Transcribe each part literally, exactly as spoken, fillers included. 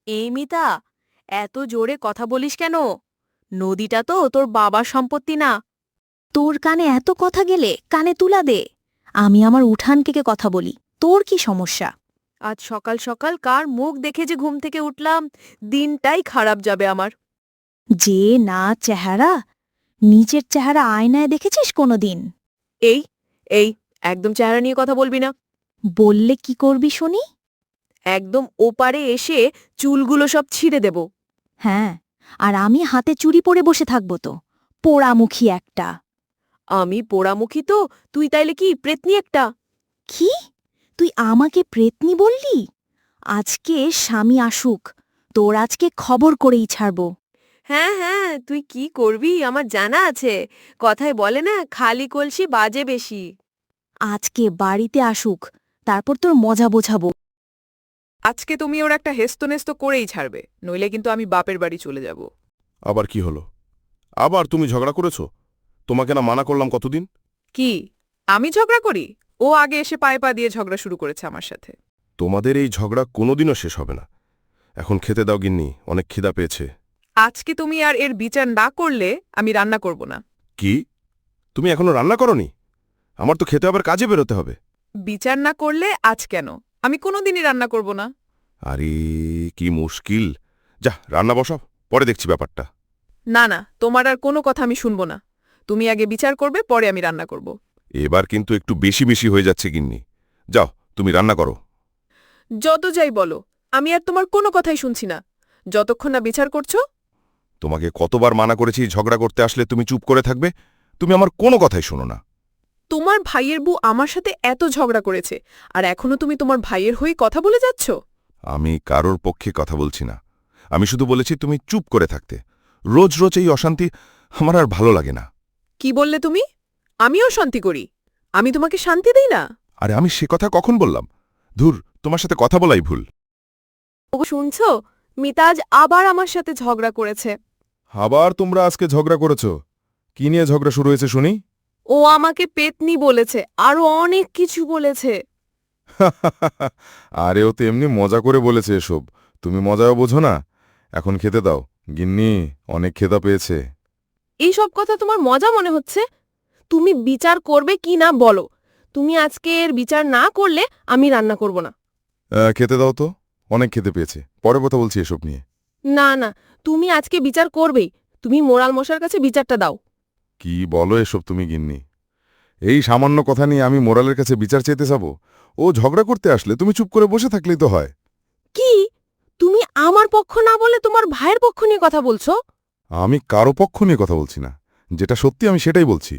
এই মিতা, এত জোরে কথা বলিস কেন? নদীটা তো তোর বাবার সম্পত্তি না। তোর কানে এত কথা গেলে কানে তুলা দে। আমি আমার উঠান কেকে কথা বলি, তোর কি সমস্যা? আজ সকাল সকাল কার মুখ দেখে যে ঘুম থেকে উঠলাম, দিনটাই খারাপ যাবে আমার। যে না চেহারা, নিজের চেহারা আয়নায় দেখেছিস কোনোদিন? এই এই একদম চেহারা নিয়ে কথা বলবি না। বললে কি করবি শুনি? একদম ওপারে এসে চুলগুলো সব ছিঁড়ে দেব। হ্যাঁ, আর আমি হাতে চুরি পরে বসে থাকবো তো, পোড়ামুখী একটা। আমি পোড়ামুখী তো, তুই তাইলে কি প্রেতনি একটা? কি? তুই আমাকে প্রেতনি বললি? আজকে স্বামী আসুক, তোর আজকে খবর করেই ছাড়ব। হ্যাঁ হ্যাঁ, তুই কি করবি আমার জানা আছে। কথায় বলে না, খালি কলসি বাজে বেশি। আজকে বাড়িতে আসুক, তারপর তোর মজা বোঝাবো। আজকে তুমি ওর একটা হেস্তনেস্ত করেই ছাড়বে, নইলে কিন্তু আমি বাপের বাড়ি চলে যাব। আবার কি হলো? আবার তুমি ঝগড়া করেছ? তোমাকে না মানা করলাম কতদিন? কি আমি ঝগড়া করি? ও আগে এসে পায়ে পা দিয়ে ঝগড়া শুরু করেছে আমার সাথে। তোমাদের এই ঝগড়া কোনোদিনও শেষ হবে না। এখন খেতে দাও গিন্নি, অনেক খিদা পেয়েছে। আজকে তুমি আর এর বিচার না করলে আমি রান্না করব না। কি? তুমি এখনো রান্না করনি? আমার তো খেতে আবার কাজে বেরোতে হবে। বিচার না করলে আজ কেন, আমি কোনোদিনই রান্না করব না। আরে কি মুশকিল! যা রান্না বসাও, পরে দেখছি ব্যাপারটা। না না, তোমার আর কোনো কথা আমি শুনব না। তুমি আগে বিচার করবে, পরে আমি রান্না করব। এবার কিন্তু একটু বেশি বেশি হয়ে যাচ্ছে গিন্নি। যাও তুমি রান্না করো। যত যাই বলো, আমি আর তোমার কোনো কথাই শুনছি না, যতক্ষণ না বিচার করছো। তোমাকে কতবার মানা করেছি ঝগড়া করতে আসলে তুমি চুপ করে থাকবে? তুমি আমার কোনো কথাই শোনো না। তোমার ভাইয়ের বউ আমার সাথে এত ঝগড়া করেছে, আর এখনো তুমি তোমার ভাইয়ের হয়ে কথা বলে যাচ্ছ? আমি কারোর পক্ষে কথা বলছি না। আমি শুধু বলেছি তুমি চুপ করে থাকতে। রোজ রোজ এই অশান্তি আমার আর ভালো লাগে না। কি বললে তুমি? আমিও শান্তি করি? আমি তোমাকে শান্তি দেই না? আরে আমি সে কথা কখন বললাম? ধুর, তোমার সাথে কথা বলাই ভুল। ও শুনছো, মিতাজ আবার আমার সাথে ঝগড়া করেছে। আবার তোমরা আজকে ঝগড়া করেছ? কি নিয়ে ঝগড়া শুরু হয়েছে শুনি? ও আমাকে পেতনি বলেছে, আরো অনেক কিছু বলেছে। আরে ও তো এমনি মজা করে বলেছে এসব, তুমি মজাও বোঝো না। এখন খেতে দাও গিন্নি, অনেক খেদা পেয়েছে। এইসব কথা তোমার মজা মনে হচ্ছে? তুমি বিচার করবে কি না বলো। তুমি আজকে এর বিচার না করলে আমি রান্না করব না। আহ, খেতে দাও তো, অনেক খেতে পেয়েছে, পরে কথা বলছি এসব নিয়ে। না না, তুমি আজকে বিচার করবেই। তুমি মোরাল মশার কাছে বিচারটা দাও। কি বলো এসব তুমি গিন্নি? এই সামান্য কথা নিয়ে আমি মোরালের কাছে বিচার চাইতে যাব? ও ঝগড়া করতে আসলে তুমি চুপ করে বসে থাকলেই তো হয়। কি? তুমি আমার পক্ষ না বলে তোমার ভাইয়ের পক্ষ নিয়ে কথা বলছো? আমি কারো পক্ষ নিয়ে কথা বলছি না, যেটা সত্যি আমি সেটাই বলছি।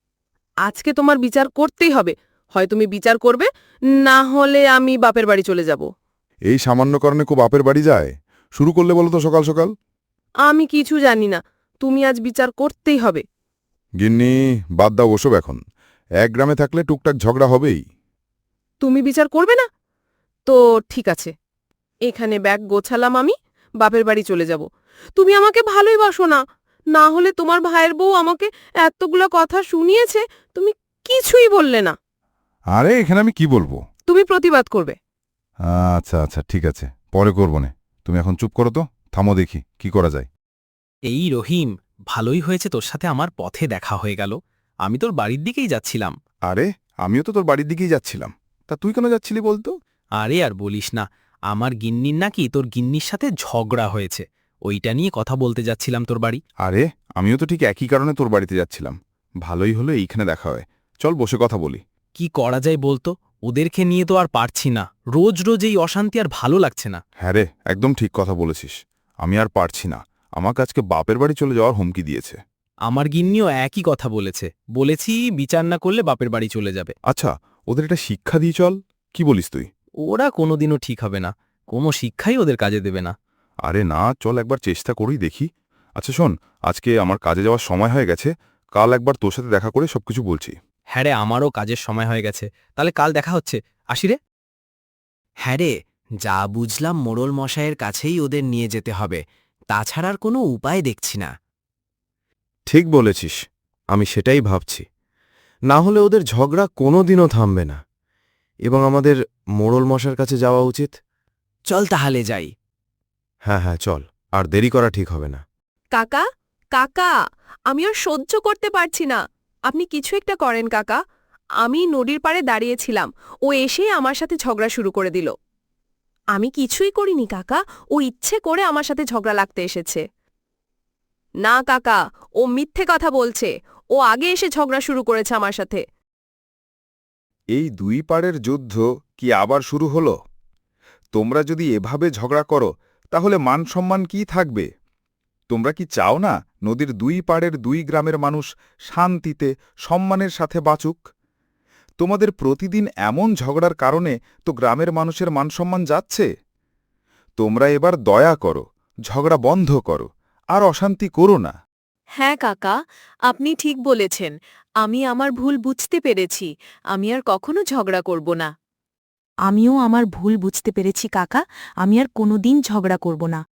আজকে তোমার বিচার করতেই হবে। হয় তুমি বিচার করবে, না হলে আমি বাপের বাড়ি চলে যাব। এই সামান্য কারণে খুব বাপের বাড়ি যায়? শুরু করলে বলো তো সকাল সকাল। আমি কিছু জানি না, তুমি আজ বিচার করতেই হবে। গিন্নি, বাদ দাও ওসব এখন। এক গ্রামে থাকলে টুকটাক ঝগড়া হবেই। তুমি বিচার করবে না? তো ঠিক আছে, এখানে ব্যাগ গোছালাম, আমি বাপের বাড়ি চলে যাব। তুমি আমাকে ভালোই বাসো না, না হলে তোমার ভাইয়ের বউ আমাকে এতগুলো কথা শুনিয়েছে, তুমি কিছুই বললে না। আরে এখানে আমি কি বলবো? তুমি প্রতিবাদ করবে। আচ্ছা আচ্ছা ঠিক আছে, পরে করবো নে। তুমি এখন চুপ করো তো, থামো দেখি কি করা যায়। এই রহিম, ভালোই হয়েছে তোর সাথে আমার পথে দেখা হয়ে গেল। আমি তোর বাড়ির দিকেই যাচ্ছিলাম। আরে আমিও তো তোর বাড়ির দিকেই যাচ্ছিলাম, তা তুই কেন যাচ্ছিলি বলতো? আরে আর বলিস না, আমার গিন্নির নাকি তোর গিন্নির সাথে ঝগড়া হয়েছে, ওইটা নিয়ে কথা বলতে যাচ্ছিলাম তোর বাড়ি। আরে আমিও তো ঠিক একই কারণে তোর বাড়িতে যাচ্ছিলাম। ভালোই হলো এইখানে দেখা হয়, চল বসে কথা বলি। কি করা যায় বলতো? ওদেরকে নিয়ে তো আর পারছি না, রোজ রোজ এই অশান্তি আর ভালো লাগছে না। হ্যাঁ রে, একদম ঠিক কথা বলেছিস। আমি আর পারছি না, আমাকে আজকে বাপের বাড়ি চলে যাওয়ার হুমকি দিয়েছে। আমার গিন্নিও একই কথা বলেছে, বলেছি বিচার না করলে বাপের বাড়ি চলে যাবে। আচ্ছা, ওদের একটা শিক্ষা দিয়ে চল, কি বলিস তুই? ওরা কোনোদিনও ঠিক হবে না, কোনো শিক্ষাই ওদের কাজে দেবে না। আরে না, চল একবার চেষ্টা করেই দেখি। আচ্ছা শোন, আজকে আমার কাজে যাওয়ার সময় হয়ে গেছে, কাল একবার তোর সাথে দেখা করে সবকিছু বলছি। হ্যাঁ রে, আমারও কাজের সময় হয়ে গেছে, তাহলে কাল দেখা হচ্ছে, আসি রে। হ্যাঁ রে, যা বুঝলাম মোড়ল মশায়ের কাছেই ওদের নিয়ে যেতে হবে, তাছাড়ার কোনো উপায় দেখছি না। ঠিক বলেছিস, আমি সেটাই ভাবছি। না হলে ওদের ঝগড়া কোনো দিনও থামবে না, এবং আমাদের মোড়ল মশার কাছে যাওয়া উচিত। চল তাহলে যাই। হ্যাঁ হ্যাঁ চল, আর দেরি করা ঠিক হবে না। কাকা কাকা আমি আর সহ্য করতে পারছি না, আপনি কিছু একটা করেন কাকা। আমি নদীর পাড়ে দাঁড়িয়েছিলাম, ও এসে আমার সাথে ঝগড়া শুরু করে দিল। আমি কিছুই করিনি কাকা, ও ইচ্ছে করে আমার সাথে ঝগড়া লাগতে এসেছে। না কাকা, ও মিথ্যে কথা বলছে, ও আগে এসে ঝগড়া শুরু করেছে আমার সাথে। এই দুই পাড়ের যুদ্ধ কি আবার শুরু হলো? তোমরা যদি এভাবে ঝগড়া করো তাহলে মান সম্মান কি থাকবে? তোমরা কি চাও না নদীর দুই পাড়ের দুই গ্রামের মানুষ শান্তিতে সম্মানের সাথে বাঁচুক? তোমাদের প্রতিদিন এমন ঝগড়ার কারণে তো গ্রামের মানুষের মানসম্মান যাচ্ছে। তোমরা এবার দয়া করো, ঝগড়া বন্ধ করো, আর অশান্তি করো না। হ্যাঁ কাকা, আপনি ঠিক বলেছেন। আমি আমার ভুল বুঝতে পেরেছি। আমি আর কখনো ঝগড়া করব না। আমিও আমার ভুল বুঝতে পেরেছি কাকা, আমি আর কোনোদিন ঝগড়া করব না।